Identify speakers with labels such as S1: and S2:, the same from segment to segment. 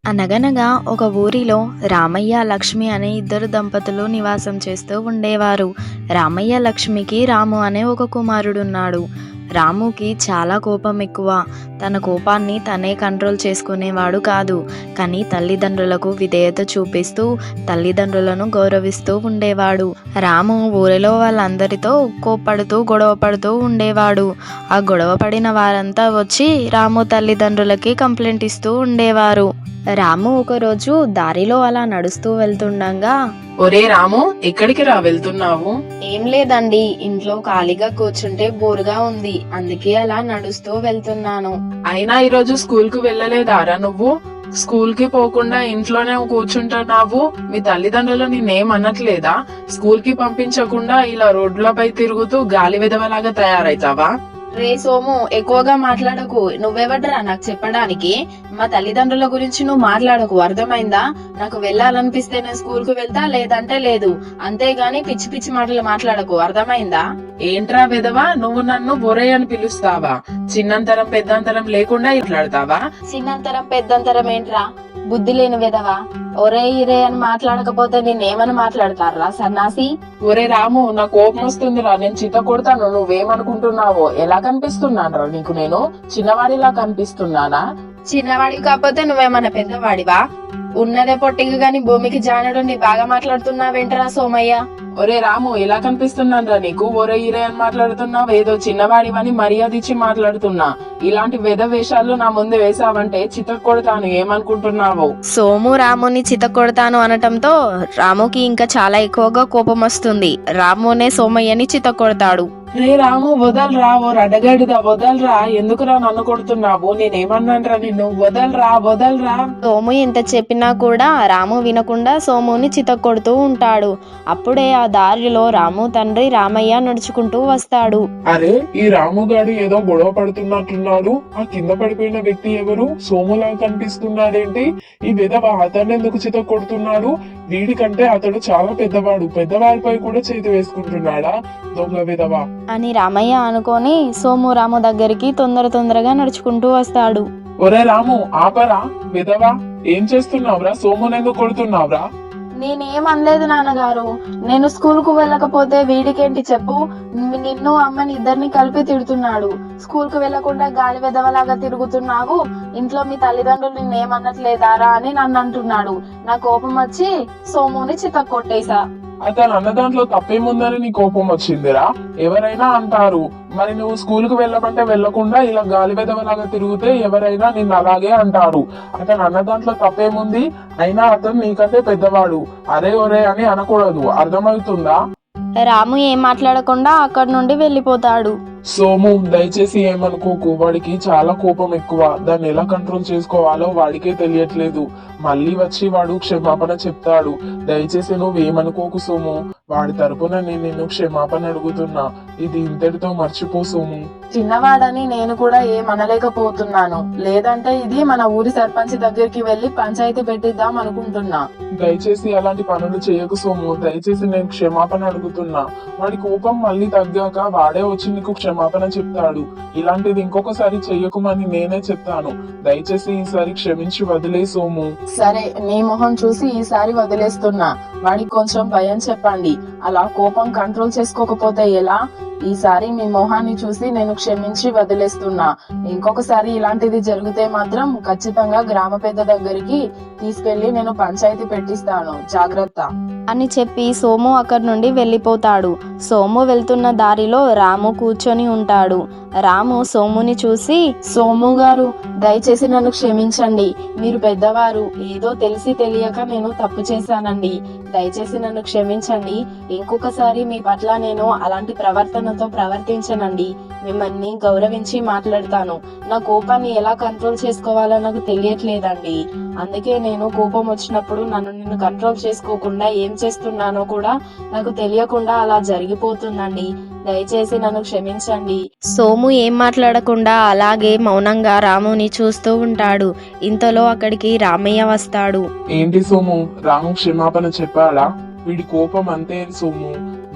S1: అనగనగా ఒక ఊరిలో రామయ్య లక్ష్మి అనే ఇద్దరు దంపతులు నివాసం చేస్తూ ఉండేవారు. రామయ్య లక్ష్మికి రాము అనే ఒక కుమారుడున్నాడు. రాముకి చాలా కోపం ఎక్కువ. తన కోపాన్ని తనే కంట్రోల్ చేసుకునేవాడు కాదు. కానీ తల్లిదండ్రులకు విధేయత చూపిస్తూ తల్లిదండ్రులను గౌరవిస్తూ ఉండేవాడు. రాము ఊరిలో వాళ్ళందరితో కోప్పడుతూ గొడవ పడుతూ ఉండేవాడు. ఆ గొడవ పడిన వారంతా వచ్చి రాము తల్లిదండ్రులకి కంప్లైంట్ ఇస్తూ ఉండేవారు. రాము ఒకరోజు దారిలో అలా నడుస్తూ వెళ్తుండగా,
S2: ఒరే రాము, ఎక్కడికి రా వెళ్తున్నావు?
S1: ఏం లేదండి, ఇంట్లో ఖాళీగా కూర్చుంటే బోరుగా ఉంది, అందుకే అలా నడుస్తూ వెళ్తున్నాను.
S2: అయినా ఈరోజు స్కూల్ కు వెళ్ళలేదారా నువ్వు? స్కూల్ కి పోకుండా ఇంట్లోనే కూర్చుంటున్నావు. మీ తల్లిదండ్రులు నిన్నేం అనట్లేదా? స్కూల్ కి పంపించకుండా ఇలా రోడ్లపై తిరుగుతూ గాలి విధవలాగా తయారైతావా?
S1: రే సోము, ఎక్కువగా మాట్లాడకు. నువ్వెవడ్రా నాకు చెప్పడానికి? మా తల్లిదండ్రుల గురించి నువ్వు మాట్లాడకు, అర్థమైందా? నాకు వెళ్ళాలనిపిస్తే నేను స్కూల్ కు వెళ్తా, లేదంటే లేదు. అంతేగాని పిచ్చి పిచ్చి మాటలు మాట్లాడకు, అర్థమైందా?
S2: ఏంట్రా విధవా, నువ్వు నన్ను బొరే అని పిలుస్తావా? చిన్నంతరం పెద్దంతరం లేకుండా మాట్లాడతావా?
S1: చిన్నంతరం పెద్దంతరం ఏంట్రా? బుద్ధి లేని విధవా. ఒరే ఇరే అని మాట్లాడకపోతే నేనేమని మాట్లాడతారా సన్నాసి?
S2: ఒరే రాము, నా కోపం వస్తుందిరా, నేను చిత్త కొడతాను. నువ్వేమనుకుంటున్నావో? ఎలా కనిపిస్తున్నాను రా నీకు? నేను చిన్నవాడిలా కనిపిస్తున్నానా?
S1: చిన్నవాడివి కాకపోతే నువ్వేమన్నా పెద్దవాడివా? ఉన్నదే పొట్టిగా గాని భూమికి జానడు. బాగా మాట్లాడుతున్నావేంటరా సోమయ్య?
S2: ఒరే రాము, ఎలా కనిపిస్తున్నాను రా నీకు? ఒరే ఇరే అని మాట్లాడుతున్నావు. ఏదో చిన్నవాడివని మర్యాద ఇచ్చి మాట్లాడుతున్నా. ఇలాంటి వేద వేషాలు నా ముందు వేసావంటే చితక్ కొడతాను. ఏమనుకుంటున్నావు?
S1: సోము రాముని చితకొడతాను అనటంతో రాముకి ఇంకా చాలా ఎక్కువగా కోపం వస్తుంది. రామునే సోమయ్యని చితకొడతాడు.
S2: రే రాము, వదలరా, ఓ రడగడిదా, వదలరా. ఎందుకురా నన్ను కొడుతున్నావు? నేనేమన్నానరా నిన్ను? వదలరా, వదలరా.
S1: సోము ఎంత చెప్పినా కూడా రాము వినకుండా సోముని చితకొడుతూ ఉంటాడు. అప్పుడే ఆ దారిలో రాము తండ్రి రామయ్య నడుచుకుంటూ వస్తాడు.
S3: అరే, ఈ రాముగాడు ఏదో గొడవ పడుతున్నట్టున్నాడు. ఆ కింద పడిపోయిన వ్యక్తి ఎవరు? సోములా కనిపిస్తున్నాడేంటి? ఈ విధవ అతన్ని ఎందుకు చిత కొడుతున్నాడు? వీడికంటే అతడు చాలా పెద్దవాడు. పెద్దవారిపై కూడా చేతి వేసుకుంటున్నాడా? దొంగ విధవ
S1: అని రామయ్య అనుకొని సోము రాము దగ్గరికి తొందరగా నడుచుకుంటూ వస్తాడు.
S3: ఒరే రాము, ఆపరా విధవ. ఏం చేస్తున్నావురా? సోమునెందుకు కొడుతున్నావురా?
S1: నేనేమనలేదు నాన్నగారు. నేను స్కూల్ కు వెళ్ళకపోతే వీడికేంటి చెప్పు? నిన్ను అమ్మని ఇద్దరిని కలిపి తిడుతున్నాడు. స్కూల్ కు వెళ్లకుండా గాలి వెదవలాగా తిరుగుతున్నావు, ఇంట్లో మీ తల్లిదండ్రులు నిన్నేమనట్లేదారా అని నన్ను అంటున్నాడు. నా కోపం వచ్చి సోముని చితక్ కొట్టేశా.
S3: అతను అన్న దాంట్లో తప్పేముందని నీ కోపం వచ్చిందిరా? ఎవరైనా అంటారు. మరి నువ్వు స్కూల్ కు వెళ్ళమంటే వెళ్లకుండా ఇలా గాలి వెదవలాగా తిరిగితే ఎవరైనా నిన్ను అలాగే అంటారు. అతను అన్న దాంట్లో తప్పేముంది? అయినా అతను నీకంటే పెద్దవాడు. అరే ఒరే అని అనకూడదు, అర్థమవుతుందా?
S1: రాము ఏం మాట్లాడకుండా అక్కడి నుండి వెళ్ళిపోతాడు.
S3: సోము, దయచేసి ఏమనుకోకు. వాడికి చాలా కోపం ఎక్కువ. దాన్ని ఎలా కంట్రోల్ చేసుకోవాలో వాడికే తెలియట్లేదు. మళ్ళీ వచ్చి వాడు క్షమాపణ చెప్తాడు. దయచేసి నువ్వేమనుకోకు సోము. వాడి తరపున నేను నిన్ను క్షమాపణ అడుగుతున్నా. ఇది ఇంతటితో మర్చిపో సోము.
S2: చిన్నవాడని నేను కూడా ఏమనలేకపోతున్నాను. లేదంటే ఇది మన ఊరి సర్పంచ్ దగ్గరికి వెళ్లి పంచాయతీ పెట్టిద్దాం అనుకుంటున్నా.
S3: దయచేసి అలాంటి పనులు చేయకు సోము. దయచేసి నేను క్షమాపణ అడుగుతున్నా. వాడి కోపం మళ్ళీ తగ్గాక వాడే వచ్చి నీకు క్షమాపణ చెప్తాడు. ఇలాంటిది ఇంకొకసారి చెయ్యకుమని నేనే చెప్తాను. దయచేసి ఈసారి క్షమించి వదిలే సోము.
S2: సరే, నీ మొహం చూసి ఈసారి వదిలేస్తున్నా. వాడికి కొంచెం భయం చెప్పండి. అలా కోపం కంట్రోల్ చేసుకోకపోతే ఎలా? ఈసారి మీ మొహాన్ని చూసి నేను క్షమించి వదిలేస్తున్నా. ఇంకొకసారి ఇలాంటిది జరిగితే మాత్రం ఖచ్చితంగా గ్రామ పెద్ద దగ్గరికి తీసుకెళ్లి నేను పంచాయతీ పెట్టిస్తాను. జాగ్రత్త
S1: అని చెప్పి సోము అక్కడి నుండి వెళ్ళిపోతాడు. సోము వెళ్తున్న దారిలో రాము కూర్చొని ఉంటాడు. రాము సోముని చూసి,
S2: సోము గారు, దయచేసి నన్ను క్షమించండి. మీరు పెద్దవారు. ఏదో తెలిసి తెలియక నేను తప్పు చేశానండి. దయచేసి నన్ను క్షమించండి. ఇంకొకసారి మీ పట్ల నేను అలాంటి ప్రవర్తనతో ప్రవర్తించనండి. మిమ్మల్ని గౌరవించి మాట్లాడతాను. నా కోపాన్ని ఎలా కంట్రోల్ చేసుకోవాలో నాకు తెలియట్లేదండి. అందుకే నేను కోపం వచ్చినప్పుడు నన్ను కంట్రోల్ చేసుకోకుండా ఏం చేస్తున్నానో కూడా నాకు తెలియకుండా అలా జరిగిపోతుందండి. దయచేసి నన్ను క్షమించండి.
S1: సోము ఏం మాట్లాడకుండా అలాగే మౌనంగా రాముని చూస్తూ ఉంటాడు. ఇంతలో అక్కడికి రామయ్య వస్తాడు.
S3: ఏంటి సోము, రాము క్షమాపణ చెప్పాడా? వీడి కోపం అంతే సోము.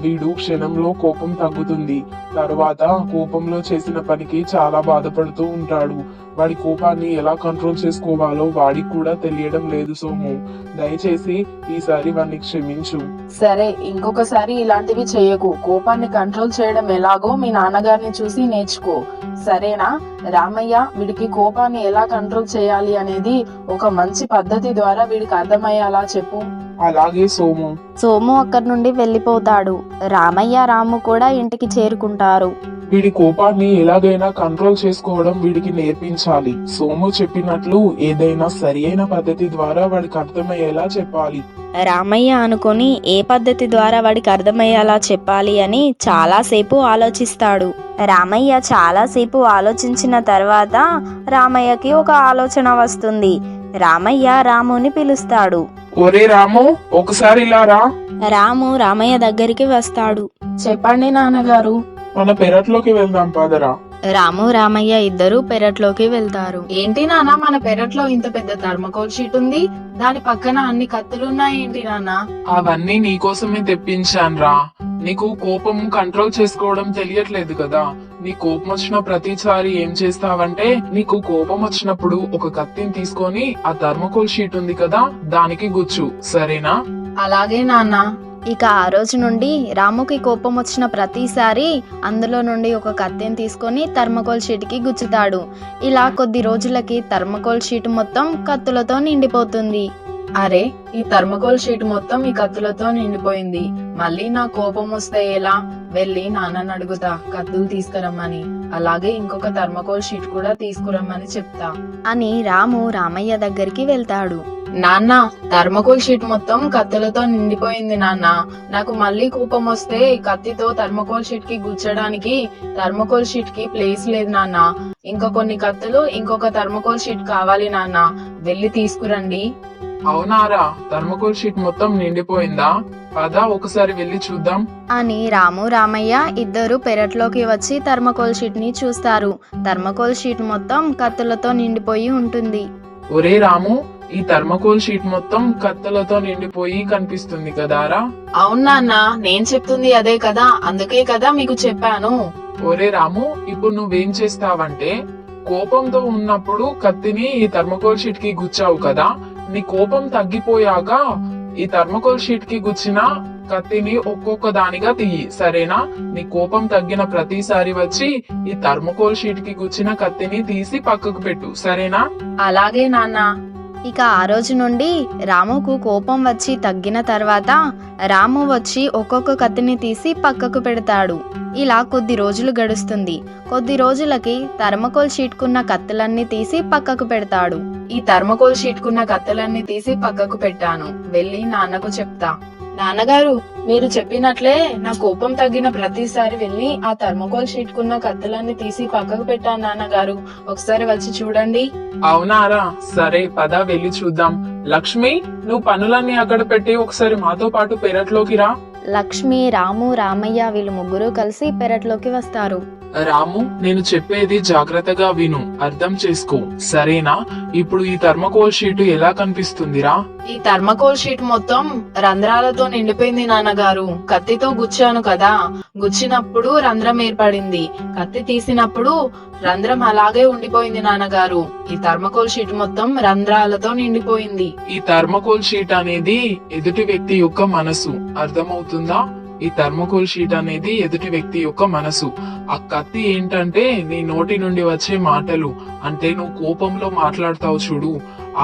S3: వీడు క్షణంలో కోపం తగ్గుతుంది. తర్వాత కోపంలో చేసిన పనికి చాలా బాధపడుతూ ఉంటాడు. వాడి కోపాన్ని ఎలా కంట్రోల్ చేసుకోవాలో వాడికి కూడా తెలియడం లేదు సోము. దయచేసి ఈసారి వాడిని క్షమించు.
S2: సరే, ఇంకొకసారి ఇలాంటివి చేయకు. కోపాన్ని కంట్రోల్ చేయడం ఎలాగో మీ నాన్నగారిని చూసి నేర్చుకో, సరేనా? రామయ్య, వీడికి కోపాన్ని ఎలా కంట్రోల్ చేయాలి అనేది ఒక మంచి పద్ధతి ద్వారా వీడికి అర్థమయ్యేలా చెప్పు.
S3: అలాగే సోము.
S1: సోము అక్కడి నుండి వెళ్ళిపోతాడు. రామయ్య రాము కూడా ఇంటికి చేరుకుంటారు.
S3: వీడి కోపాన్ని ఎలాగైనా కంట్రోల్ చేసుకోవడం వీడికి నేర్పించాలి. సోము చెప్పినట్లు ఏదైనా సరి అయిన పద్ధతి ద్వారా వాడికి అర్థమయ్యేలా చెప్పాలి.
S1: రామయ్య అనుకొని ఏ పద్ధతి ద్వారా వాడికి అర్థమయ్యేలా చెప్పాలి అని చాలాసేపు ఆలోచిస్తాడు. రామయ్య చాలాసేపు ఆలోచించిన తర్వాత రామయ్యకి ఒక ఆలోచన వస్తుంది. రామయ్య రాముని పిలుస్తాడు.
S3: ఒరే రాము, ఒకసారి ఇలా రా.
S1: రాము రామయ్య దగ్గరికి వస్తాడు.
S2: చెప్పండి నాన్నగారు.
S3: మన పెరట్లోకి వెళ్దాం పదరా.
S1: రాము రామయ్య ఇద్దరు పెరట్లోకి వెళ్తారు.
S2: ఏంటి నాన్న, మన పెరట్లో ఇంత పెద్ద థర్మకోల్ షీట్ ఉంది, దాని పక్కన అన్ని కత్తులున్నాయి ఏంటి నాన్న?
S3: అవన్నీ నీకోసమే తెప్పించానురా. నీకు కోపం కంట్రోల్ చేసుకోవడం తెలియట్లేదు కదా. నీ కోపం వచ్చిన ప్రతిసారి ఏం చేస్తావంటే, నీకు కోపం వచ్చినప్పుడు ఒక కత్తిని తీసుకొని ఆ థర్మకోల్ షీట్ ఉంది కదా దానికి గుచ్చు, సరేనా?
S2: అలాగే నాన్న.
S1: ఇక ఆ రోజు నుండి రాముకి కోపం వచ్చిన ప్రతిసారి అందులో నుండి ఒక కత్తెని తీసుకొని థర్మకోల్ షీట్కి గుచ్చుతాడు. ఇలా కొద్ది రోజులకి థర్మకోల్ షీట్ మొత్తం కత్తులతో నిండిపోతుంది.
S2: అరే, ఈ థర్మకోల్ షీట్ మొత్తం ఈ కత్తులతో నిండిపోయింది. మళ్ళీ నా కోపం వస్తే ఎలా? వెళ్ళి నాన్నని అడుగుతా కత్తులు తీసుకురమ్మని, అలాగే ఇంకొక థర్మకోల్ షీట్ కూడా తీసుకురమ్మని చెప్తా
S1: అని రాము రామయ్య దగ్గరికి వెళ్తాడు.
S2: నాన్న, థర్మకోల్ షీట్ మొత్తం కత్తులతో నిండిపోయింది నాన్న. నాకు మళ్ళీ కోపం వస్తే కత్తితో థర్మకోల్ షీట్ కి గుచ్చడానికి థర్మకోల్ షీట్ కి ప్లేస్ లేదు నాన్న. ఇంకా కొన్ని కత్తులు, ఇంకొక థర్మకోల్ షీట్ కావాలి నాన్న. వెళ్ళి తీసుకురండి.
S3: అవునారా, థర్మకోల్ షీట్ మొత్తం నిండిపోయిందా? పద ఒకసారి వెళ్ళి చూద్దాం
S1: అని రాము రామయ్య ఇద్దరు పెరట్లోకి వచ్చి థర్మకోల్ షీట్ ని చూస్తారు. థర్మకోల్ షీట్ మొత్తం కత్తులతో నిండిపోయి ఉంటుంది.
S3: ఒరే రాము, ఈ థర్మకోల్ షీట్ మొత్తం కత్తులతో నిండిపోయి కనిపిస్తుంది కదారా?
S2: అవును నాన్న, నేను చెప్తుంది అదే కదా, అందుకే కదా మీకు చెప్పాను.
S3: ఒరే రాము, ఇప్పుడు నువ్వేం చేస్తావంటే, కోపంతో ఉన్నప్పుడు కత్తిని ఈ థర్మకోల్ షీట్ కి గుచ్చావు కదా, నీ కోపం తగ్గిపోయాక ఈ థర్మకోల్ షీట్ కి గుచ్చిన కత్తిని ఒక్కొక్క దానిగా తీయి, సరేనా? నీ కోపం తగ్గిన ప్రతిసారి వచ్చి ఈ థర్మకోల్ షీట్ కి గుచ్చిన కత్తిని తీసి పక్కకు పెట్టు, సరేనా?
S2: అలాగే నాన్న.
S1: ఇక ఆ రోజు నుండి రాముకు కోపం వచ్చి తగ్గిన తర్వాత రాము వచ్చి ఒక్కొక్క కత్తిని తీసి పక్కకు పెడతాడు. ఇలా కొద్ది రోజులు గడుస్తుంది. కొద్ది రోజులకి థర్మకోల్ షీట్ కున్న కత్తులన్నీ తీసి పక్కకు పెడతాడు.
S2: ఈ థర్మకోల్ షీట్ కున్న కత్తులన్నీ తీసి పక్కకు పెట్టాను, వెళ్ళి నాన్నకు చెప్తా. నాన్నగారు, మీరు చెప్పినట్లే నా కోపం తగ్గిన ప్రతిసారి వెళ్ళి ఆ థర్మకోల్ షీట్ కున్న కత్తులన్నీ తీసి పక్కకు పెట్టాను నాన్నగారు. ఒకసారి వచ్చి చూడండి.
S3: అవునారా, సరే పద వెళ్ళి చూద్దాం. లక్ష్మి, నువ్వు పనులన్నీ అక్కడ పెట్టి ఒకసారి మాతో పాటు పెరట్లోకి రా.
S1: లక్ష్మి, రాము, రామయ్య వీళ్ళు ముగ్గురు కలిసి పెరట్లోకి వస్తారు.
S3: రాము, నేను చెప్పేది జాగ్రత్తగా విను, అర్థం చేసుకో, సరేనా? ఇప్పుడు ఈ థర్మకోల్ షీట్ ఎలా కనిపిస్తుందిరా?
S2: ఈ థర్మకోల్ షీట్ మొత్తం రంధ్రాలతో నిండిపోయింది నాన్నగారు. కత్తితో గుచ్చాను కదా, గుచ్చినప్పుడు రంధ్రం ఏర్పడింది. కత్తి తీసినప్పుడు రంధ్రం అలాగే ఉండిపోయింది నాన్నగారు. ఈ థర్మకోల్ షీట్ మొత్తం రంధ్రాలతో నిండిపోయింది.
S3: ఈ థర్మకోల్ షీట్ అనేది ఎదుటి వ్యక్తి యొక్క మనసు, అర్థమవుతుందా? ఈ థర్మకోల్ షీట్ అనేది ఎదుటి వ్యక్తి యొక్క మనసు. ఆ కత్తి ఏంటంటే నీ నోటి నుండి వచ్చే మాటలు, అంటే నువ్వు కోపంలో మాట్లాడతావు చూడు,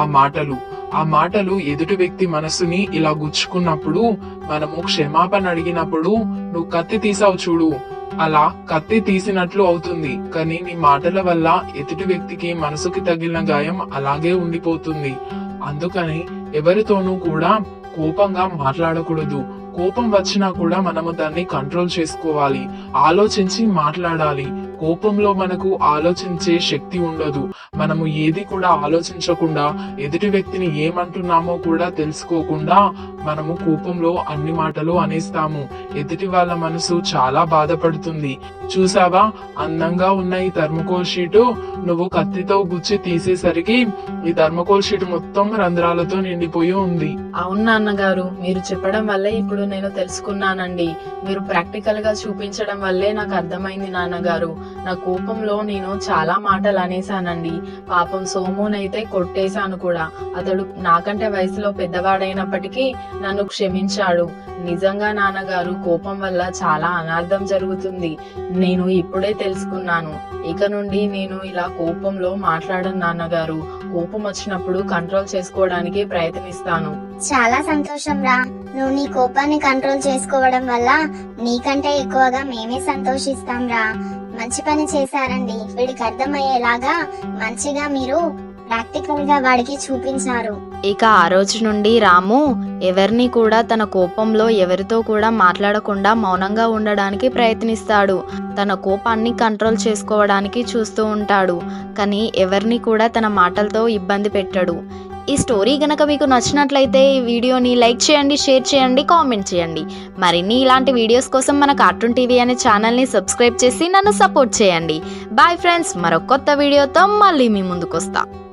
S3: ఆ మాటలు ఎదుటి వ్యక్తి మనసుని ఇలా గుచ్చుకున్నప్పుడు, మనము క్షమాపణ అడిగినప్పుడు నువ్వు కత్తి తీసావు చూడు, అలా కత్తి తీసినట్లు అవుతుంది. కానీ నీ మాటల వల్ల ఎదుటి వ్యక్తికి మనసుకి తగిలిన గాయం అలాగే ఉండిపోతుంది. అందుకని ఎవరితోనూ కూడా కోపంగా మాట్లాడకూడదు. కోపం వచ్చినా కూడా మనము దాన్ని కంట్రోల్ చేసుకోవాలి, ఆలోచించి మాట్లాడాలి. కోపంలో మనకు ఆలోచించే శక్తి ఉండదు. మనము ఏది కూడా ఆలోచించకుండా ఎదుటి వ్యక్తిని ఏమంటున్నామో కూడా తెలుసుకోకుండా మనము కోపంలో అన్ని మాటలు అనేస్తాము. ఎదుటి వాళ్ళ మనసు చాలా బాధపడుతుంది. చూసావా, అందంగా ఉన్న ఈ థర్మకోల్ షీటు నువ్వు కత్తితో గుచ్చి తీసేసరికి ఈ థర్మకోల్ షీట్ మొత్తం రంధ్రాలతో నిండిపోయి ఉంది.
S2: అవును నాన్నగారు, మీరు చెప్పడం వల్లే ఇప్పుడు నేను తెలుసుకున్నానండి. మీరు ప్రాక్టికల్ గా చూపించడం వల్లే నాకు అర్థమైంది నాన్నగారు. నా కోపంలో నేను చాలా మాటలు అనేసానండి. పాపం సోమునైతే కొట్టేశాను కూడా. అతడు నాకంటే వయసులో పెద్దవాడైనప్పటికీ నన్ను క్షమించాడు. నిజంగా నాన్నగారు, కోపం వల్ల చాలా అనార్థం జరుగుతుంది. నేను ఇప్పుడే తెలుసుకున్నాను. ఇక నుండి నేను ఇలా కోపంలో మాట్లాడను నాన్నగారు. కోపం వచ్చినప్పుడు కంట్రోల్ చేసుకోవడానికి ప్రయత్నిస్తాను.
S4: చాలా సంతోషం రా. నువ్వు నీ కోపాన్ని కంట్రోల్ చేసుకోవడం వల్ల నీకంటే ఎక్కువగా మేమే సంతోషిస్తాం రా. మంచి పని చేశారండి. వీడికి అర్థమయ్యేలాగా మంచిగా మీరు ప్రాక్టికల్ గా వాడికి చూపించారు.
S1: ఇక ఆ రోజు నుండి రాము ఎవరిని కూడా తన కోపంలో ఎవరితో కూడా మాట్లాడకుండా మౌనంగా ఉండడానికి ప్రయత్నిస్తాడు. తన కోపాన్ని కంట్రోల్ చేసుకోవడానికి చూస్తూ ఉంటాడు. కానీ ఎవరిని కూడా తన మాటలతో ఇబ్బంది పెట్టడు. ఈ స్టోరీ గనక మీకు నచ్చినట్లయితే ఈ వీడియోని లైక్ చేయండి, షేర్ చేయండి, కామెంట్ చేయండి. మరిన్ని ఇలాంటి వీడియోస్ కోసం మన కార్టూన్ టీవీ అనే ఛానల్ని సబ్స్క్రైబ్ చేసి నన్ను సపోర్ట్ చేయండి. బాయ్ ఫ్రెండ్స్, మరో కొత్త వీడియోతో మళ్ళీ మీ ముందుకు వస్తా.